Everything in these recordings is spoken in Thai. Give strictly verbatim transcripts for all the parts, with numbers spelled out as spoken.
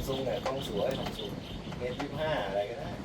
ซุงเนี่ยกล้องสวยซัมซุงเมตรยี่สิบห้าอะไรก็ได้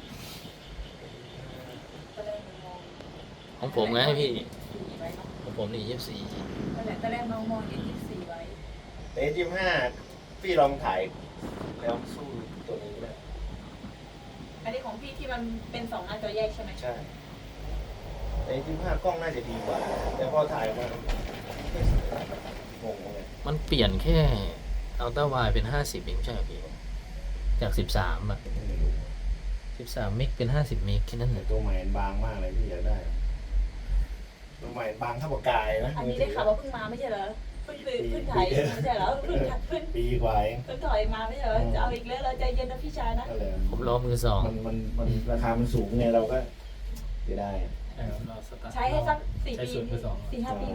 ตอนแรกมันมองของผมไงพี่สี่ไว้เนาะของผมนี่ยี่สิบสี่นั่นแหละตอนแรกมองมองเห็นยี่สิบสี่ไว้เมตรยี่สิบห้าพี่ลองถ่ายแล้วสู้ตัวนี้ได้อันนี้ของพี่ที่มันเป็นสองหน้าจอแยกใช่ไหมใช่เมตรยี่สิบห้ากล้องน่าจะดีกว่า แต่พอถ่ายมาไม่งงเลยมันเปลี่ยนแค่อัลตร้าไวด์เป็นห้าสิบเองใช่ไหมพี่ จากสิบสามอ่ะไม่รู้สิบสามเมกเป็นห้าสิบเมกแค่นั้นแต่เลยตัวใหม่มันบางมากเลยพี่อยากได้ ตัวใหม่บางเท่าปากกายนะอันนี้ได้ข่าวว่าเพิ่งมาไม่ใช่เหรอเพิ่งซื้อเพิ่งถ่ายไม่ใช่เหรอเพิ่งถ่ายเพิ่งปีกว่าเองเพิ่งถอยมาไม่ใช่เหรอจะเอาอีกแล้วเราใจเย็นนะพี่ชายนะก็เลยผมรอมือสองมันมันมันราคามันสูงไงเราก็จะได้ใช่ครับเราสตาร์ทใช้ให้สักสี่ใช้ปีสูตรมือสองสี่ห้าปีเลย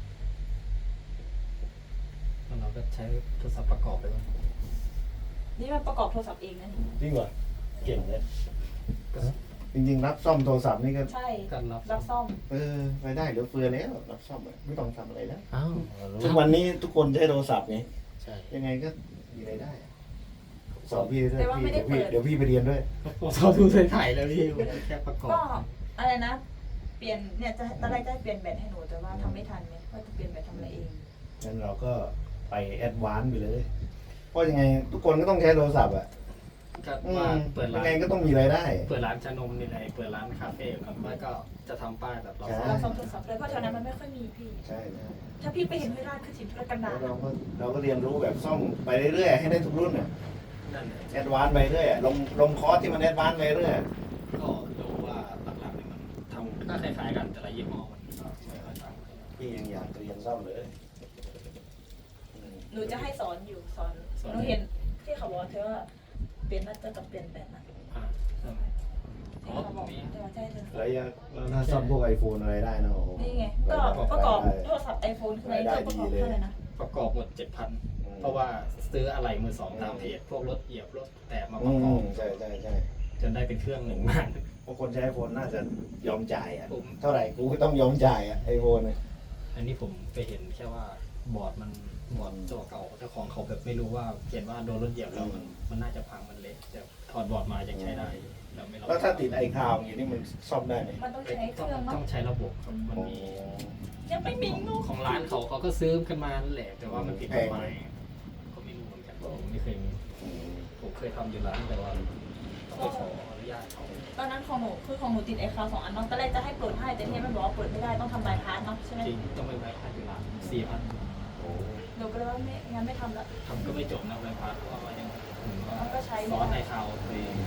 แล้วเราก็ใช้โทรศัพท์ประกอบไปก่อนนี่มันประกอบโทรศัพท์เองนะนี่จริงเหรอเก่งเลยก็จริงๆ รับซ่อมโทรศัพท์นี่ก็ใช่การรับรับซ่อมเออไปได้เหลือเฟือแล้วรับซ่อมอะไม่ต้องทำอะไรแล้วอ้าวทุกวันนี้ทุกคนใช้โทรศัพท์ไงใช่ยังไงก็มีรายได้อะสอนพี่ด้วยแต่ว่าพี่ไม่ได้เดี๋ยวพี่เปิดเดี๋ยวพี่ไปเรียนด้วยผมชอบดูใส่ถ่ายแล้วพี่ผมแค่ประกอบก็อะไรนะ เปลี่ยนเนี่ยจะตอนแรกจะให้เปลี่ยนแบตให้หนูแต่ว่าทำไม่ทันเนี่ยว่าจะเปลี่ยนแบตทำอะไรเองงั้นเราก็ไปแอดวานซ์ไปเลย เพราะยังไงทุกคนก็ต้องใช้โทรศัพท์อ่ะก็อืว่าม เปิดยัร้างไงนก็ต้องมีรายได้เปิดร้านชานมนี่แหละเปิดร้านคาเฟ่ก่อนไม่ก็จะทำป้ายแบบเราใช่เราซ่อมโทรศัพท์เลยเพราะแถวนั้นมันไม่ค่อยมีพี่ใช่ใช่ถ้าพี่ไปเห็นห้วยราชคือสินธุรกันดาแล้รวเราก็เราก็เรียนรู้แบบซ่อมไปเรื่อยๆให้ได้ทุกรุ่นอ่ะนั่นแหละแอดวานซ์ไปเรื่อยอะลงลงคอร์สที่มันแอดวานซ์ไปเรื่อยก็รู้ว่าหลักๆนี่มันทำก็คล้ายๆกันแต่ละยี่ห้อมันก็ไม่ค่อยต่างกันพี่ยังอยากเรียนซ่อมเลยอืมหนูจะให้สอนอยู่สอนหนูเห็นที่เขาบอกเธอว่าเปลี่ยนหน้าจอกับเปลี่ยนแบตนะอ่าใช่ไหมอ๋อที่เขาบอกมีเธอว่าใช่เธอแล้วยังแล้วถ้าซ่อมพวกไอโฟนอะไรได้นะโอ้โหนี่ไงก็ประกอบโทรศัพท์ไอโฟนคืออะไรก็ประกอบเท่าไหร่นะประกอบหมดเจ็ดพันเพราะว่าซื้ออะไรมือสองตามเพจพวกรถเหยียบรถแตะมาปอืระกอบมใช่ใช่ใช่จนได้เป็นเครื่องหนึ่งมาบางคนใช้ไอโฟนน่าจะยอมจ่ายอ่ะผมเท่าไหร่กูก็ต้องยอมจ่ายอ่ะไอโฟนเนี่ยอันนี้ผมไปเห็นแค่ว่าบอร์ดมันบอร์ดตัวเก่าเจ้าของเขาแบบไม่รู้ว่าเขียนว่าโดนรถเหยียบแล้วมันมันน่าจะพังมันเละแต่ถอดบอร์ดมายังใช้ได้เราไม่แล้วถ้าติดไอคลาวอย่างนี้มันซ่อมได้ไหมมันต้องใช้เคต้องรื่องต้มั้อง งใช้ระบบครับมันโอ้มียังไม่มีลูกของร้านเขาเขาก็ซื้อกันมานั่นแหละแต่ว่ามันผิดกฎหมายก็ไม่รู้เหมือนกันผมไม่เคยมีอืมผมเคยทำอยู่ร้านแต่ว่าต้องไปขออนุญาตเขาตอนนั้นของหนูคือของหนูติดไอคาวสองอันเนาะตอนแรกจะให้เปิดให้แต่เทปมันบอกว่าเปิดไม่ได้ต้องทำบายพาสเนาะใช่ไหมจริงต้องไปไว้ค่าอยู่ร้านสี่พันโอ้หนูก็เลยว่าไม่งั้นไม่ทำละทำก็ไม่จบนะไว้พักเพราะว่ายังเหมือนว่ามันก็ใช้ซอสในคาวไป